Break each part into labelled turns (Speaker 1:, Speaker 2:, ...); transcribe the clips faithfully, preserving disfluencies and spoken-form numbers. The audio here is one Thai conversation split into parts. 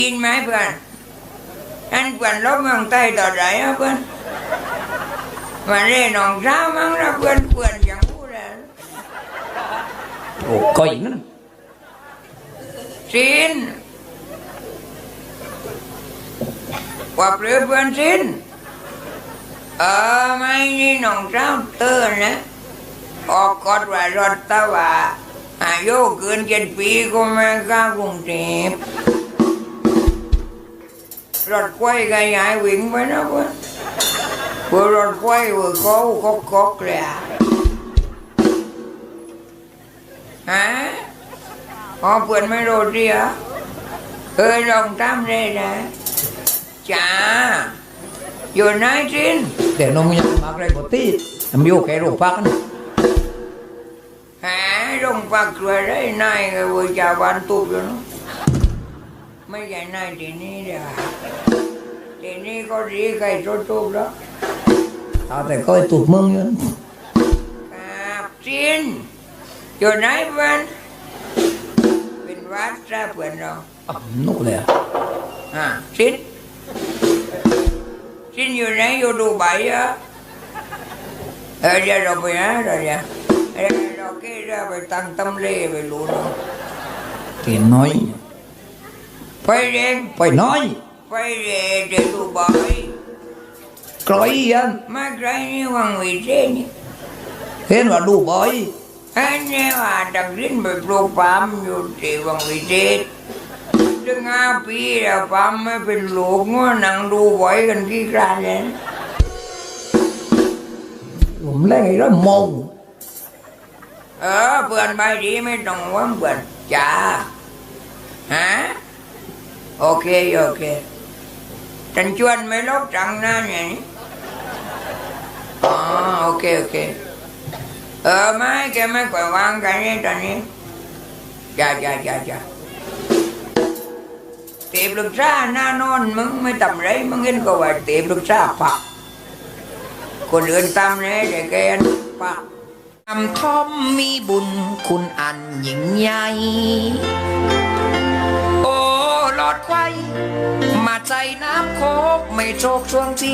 Speaker 1: กินไหมเพื่อนอันเพื่อนลบเมืองใต้ต่อไหนอะเพื่อนมาเล่นหนองเช้ามั้งนะเพื่อนเพื่อนอย่างพูดเลย
Speaker 2: โอ้ก้อยนั่น
Speaker 1: สินว่าเปลือเพื่อนสินเออไม่นี่หนองเช้าเตือนนะออกกฎว่ารถตะว่าอายุเกินเจ็ดปีก็ไม่กล้ากรุงเทพรถไฟก็ย้ายวิ่งไปนะเพื่อนเพื่อรถไฟเพื่อเขาก็ก็กเลยฮะอ๋อเพื่อนไม่รู้ดิอ่ะเคยลองทำได้นะจ้าอยู่ไหนจิน
Speaker 2: แต่น้องยังมากเลยกว่าที่ทำอยู่แค่โรงพักนะ
Speaker 1: หาโรงพักช่วยได้นายก็ว่าจะวันตุบอยู่เนาะไม่ใช่นายที่นี่เดียวทีนี้ก็ดีใครทุบๆแล้ว
Speaker 2: เอาแต่ก็ตุบมึงอยู่
Speaker 1: ครับจินอยู่ไหนเพื่อนเป็นวัดซะเพื่อนเรา
Speaker 2: อ๋อนู่นเลยอ่ะ
Speaker 1: อ่าจินจินอยู่ไหนอยู่ดูใบอ่ะเออเดี๋ยวเราไปนะเดี๋ยวเดี๋ยวเราเกี่ยวไปตั้งตำเล่ไปรู้เนาะ
Speaker 2: เตียนน้อย
Speaker 1: ไปเรียน
Speaker 2: ไปน้อย
Speaker 1: ไปเรียนเดี๋ยวดูใบ
Speaker 2: ไกลยัง
Speaker 1: มาไกลนี่วังวิเศษนี่
Speaker 2: เห็นว่าดูบ่อย
Speaker 1: อันนี้ว่าดังรินไปปลูกปาล์มอยู่ที่วังวิเศษถึงห้าปีแล้วปาล์มไม่เป็นลูกงัวนั่งดูบ่อยกันที่กลางเลย
Speaker 2: ผมเล่นแล้วมอง
Speaker 1: เออเพื่อนไปดีไม่ต้องว่าเพื่อนจ้าฮะโอเคโอเคฉันชวนไม่ลบจังนะเนี่ยอ๋อโอเคโอเคเออไม่แกไม่ค่อยวางกันนี่ตอนนี้จ้าจ้าจ้าจ้าเตียบลูกซ่าหน้านอนมึงไม่ทำไรมึงเห็นก็ว่าเตียบลูกซ่าปักคนอื่นตามเลยแต่แกปัก
Speaker 2: ทำทอมมีบุญคุณอันยิ่งใหญ่โอ้หลอดไข่มาใจน้ำโคกไม่โชคช่วงที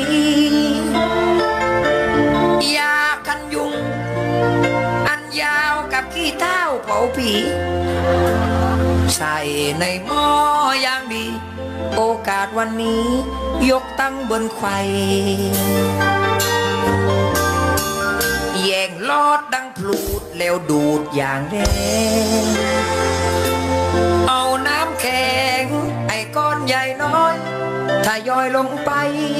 Speaker 2: ยากันยุงอันยาวกับขี้เท้าเผาผีใส่ในหม้ออย่างดีโอกาสวันนี้ยกตั้งบนไข่แย่งลอดดังพลูดแล้วดูดอย่างแรงเอาน้ำแข็งไอ้ก้อนใหญ่น้อยถ้าย่อยลงไป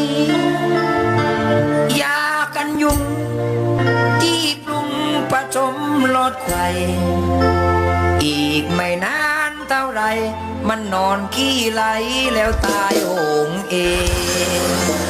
Speaker 2: ยากันยุงที่ปรุงผสมลอดไข่อีกไม่นานเท่าไรมันนอนขี้ไหลแล้วตายโหงเอง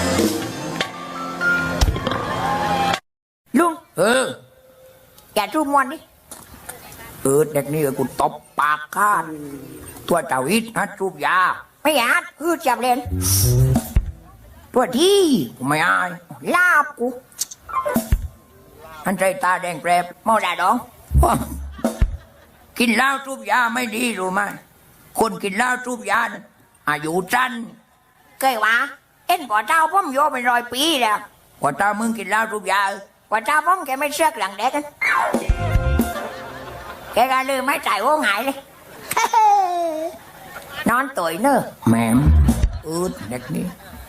Speaker 1: ลุง
Speaker 2: เออ
Speaker 1: อย่าทูบมวนดิ
Speaker 2: เออเด็กนี่กูตบปากข้าตัวเจ้าอิดฮัดจูบยา
Speaker 1: ไม่อยากคือจับเล่น
Speaker 2: ตัวที่ไม่อาย
Speaker 1: ลาบกู
Speaker 2: อันใจตาแดงแปรบ
Speaker 1: มอดาดอง
Speaker 2: กินเหล้าจูบยาไม่ดีรู้ไหมคนกินเหล้าจูบยาอายุสั้น
Speaker 1: เคยวะเอ็นกว่าเจ้าพ่อมโยเป็นร้อยปีแล้ว
Speaker 2: กว่าเจ้ามึงกินเหล้าจูบย
Speaker 1: ากว่าเจ้าพ่อมแกไม่เชือกหลังเด็กกันแกก็ลืมไม่จ่ายโอ้หายเลยนอนตุ๋ยเนอะ
Speaker 2: แม่มอืดเด็กนี่